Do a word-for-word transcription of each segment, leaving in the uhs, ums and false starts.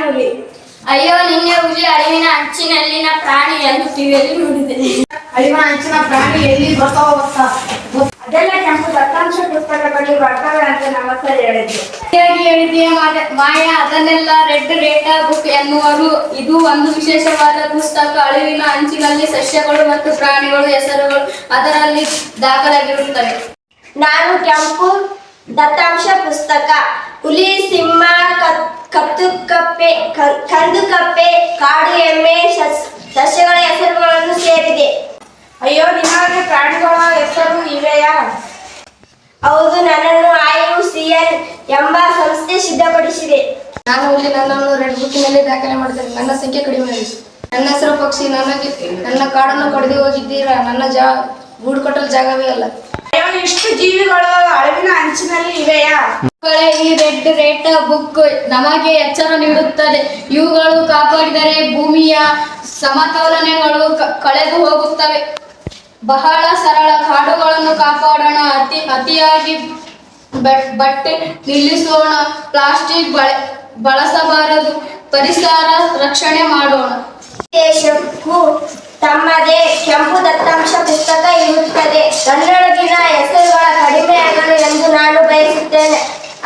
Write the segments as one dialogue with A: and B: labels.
A: ಹುಲಿ.
B: ಅಯ್ಯೋ, ನಿನ್ನೆ ಹುಲಿ ಅಳಿವಿನ ಅಂಚಿನಲ್ಲಿನ ಪ್ರಾಣಿ ಎಂದು ಟಿವಿಯಲ್ಲಿ ನೋಡಿದೆ.
A: ಅಳಿವಿನ ಅಂಚಿನ ಪ್ರಾಣಿ ಎಲ್ಲಿ ಬರ್ತಾವ ಗೊತ್ತಾ? ಅದೆಲ್ಲ ಕೆಂಪು ದತ್ತಾಂಶ ಪುಸ್ತಕದಲ್ಲಿ ಬರ್ತವೆ ಅಂತ ನಮ್ಮ ಸರ್ ಹೇಳಿದ್ರು.
B: ಸರಿಯಾಗಿ ಹೇಳಿದೆಯೇ ಮಾಯ. ಅದನ್ನೆಲ್ಲ ರೆಡ್ ರೇಟಾ ಬುಕ್ ಎನ್ನುವರು. ಇದು ಒಂದು ವಿಶೇಷವಾದ ಪುಸ್ತಕ. ಅಳಿವಿನ ಅಂಚಿನಲ್ಲಿ ಸಸ್ಯಗಳು ಮತ್ತು ಪ್ರಾಣಿಗಳು ಹೆಸರುಗಳು ಅದರಲ್ಲಿ ದಾಖಲಾಗಿರುತ್ತವೆ.
C: ನಾನು ಕೆಂಪು ದತ್ತಾಂಶ ಪುಸ್ತಕ. ಹುಲಿ, ಸಿಂಹ, ಕತ್ತು ಕಪ್ಪೆ, ಕಂದು ಕಪ್ಪೆ, ಕಾಡು ಎಮ್ಮೆ, ಸಸ್ಯಗಳ ಹೆಸರುಗಳನ್ನು ಸೇರಿದೆ.
A: ಅಯ್ಯೋ, ನಿಮಗೆ ಪ್ರಾಣಿಗಳ ಹೆಸರು ಇವೆಯಾ?
C: ಹೌದು, ನನ್ನನ್ನು ಐ ಯು ಸಿ ಎನ್ ಎಂಬ ಸಂಸ್ಥೆ ಸಿದ್ಧಪಡಿಸಿದೆ.
B: ನಾನು ಹುಲಿ. ನನ್ನನ್ನು ರೆಡ್ ಬುಕ್ಕಿನಲ್ಲಿ ದಾಖಲೆ ಮಾಡಿದ್ದೇನೆ. ನನ್ನ ಸಂಖ್ಯೆ ಕಡಿಮೆ ಆಗಿದೆ. ನನ್ನ ಹೆಸರು ಪಕ್ಷಿ. ನನಗೆ ನನ್ನ ಕಾಡನ್ನು ಕಡಿದು ಹೋಗಿದ್ದೀರಾ? ನನ್ನ ಜಾ ಗೂಡು ಕಟ್ಟಲು ಜಾಗವೇ ಅಲ್ಲ.
A: ಅಯ್ಯೋ, ಇಷ್ಟು ಜೀವಿಗಳು ಅಳಿವಿನ ಅಂಚಿನಲ್ಲಿ ಇವೆಯಾ?
B: ಈ ರೆಡ್ ರೇಟ್ ಬುಕ್ ನಮಗೆ ಎಚ್ಚರ ನೀಡುತ್ತದೆ. ಇವುಗಳು ಕಾಪಾಡಿದರೆ ಭೂಮಿಯ ಸಮತೋಲನಗಳು ಕಳೆದು ಹೋಗುತ್ತವೆ. ಬಹಳ ಸರಳ. ಕಾಡುಗಳನ್ನು ಕಾಪಾಡೋಣ. ಅತಿ ಅತಿಯಾಗಿ ಬಟ್ಟೆ ನಿಲ್ಲಿಸೋಣ. ಪ್ಲಾಸ್ಟಿಕ್ ಬಳ ಬಳಸಬಾರದು. ಪರಿಸರ ರಕ್ಷಣೆ ಮಾಡೋಣ.
C: ದೇಶಕ್ಕೂ ತಮ್ಮದೇ ಕೆಂಪು ದತ್ತಾಂಶ ಪುಸ್ತಕ ಇರುತ್ತದೆ. ನನ್ನೊಳಗಿನ ಹೆಸರುಗಳ ಕಡಿಮೆಯಾಗಲು ಎಂದು ನಾನು ಬಯಸುತ್ತೇನೆ.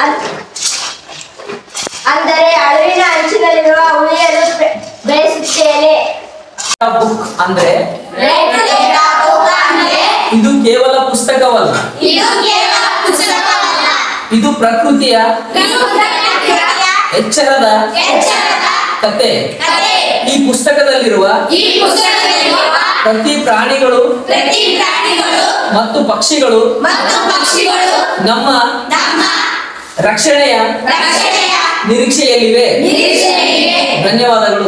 C: ಅಂದರೆ ಅಳಿವಿನ ಅಂಚಿನಲ್ಲಿರುವ ಉಳಿಯಲು ಬಯಸುತ್ತೇನೆ.
D: ಬುಕ್ ಅಂದ್ರೆ ಇದು ಕೇವಲ ಪುಸ್ತಕವಲ್ಲ, ಇದು ಪ್ರಕೃತಿಯ ಎಚ್ಚರದ ಕತೆ. ಈ ಪುಸ್ತಕದಲ್ಲಿರುವ ಪ್ರತಿ ಪ್ರಾಣಿಗಳು ಮತ್ತು ಪಕ್ಷಿಗಳು ನಮ್ಮ ರಕ್ಷಣೆಯ ನಿರೀಕ್ಷೆಯಲ್ಲಿವೆ. ಧನ್ಯವಾದಗಳು.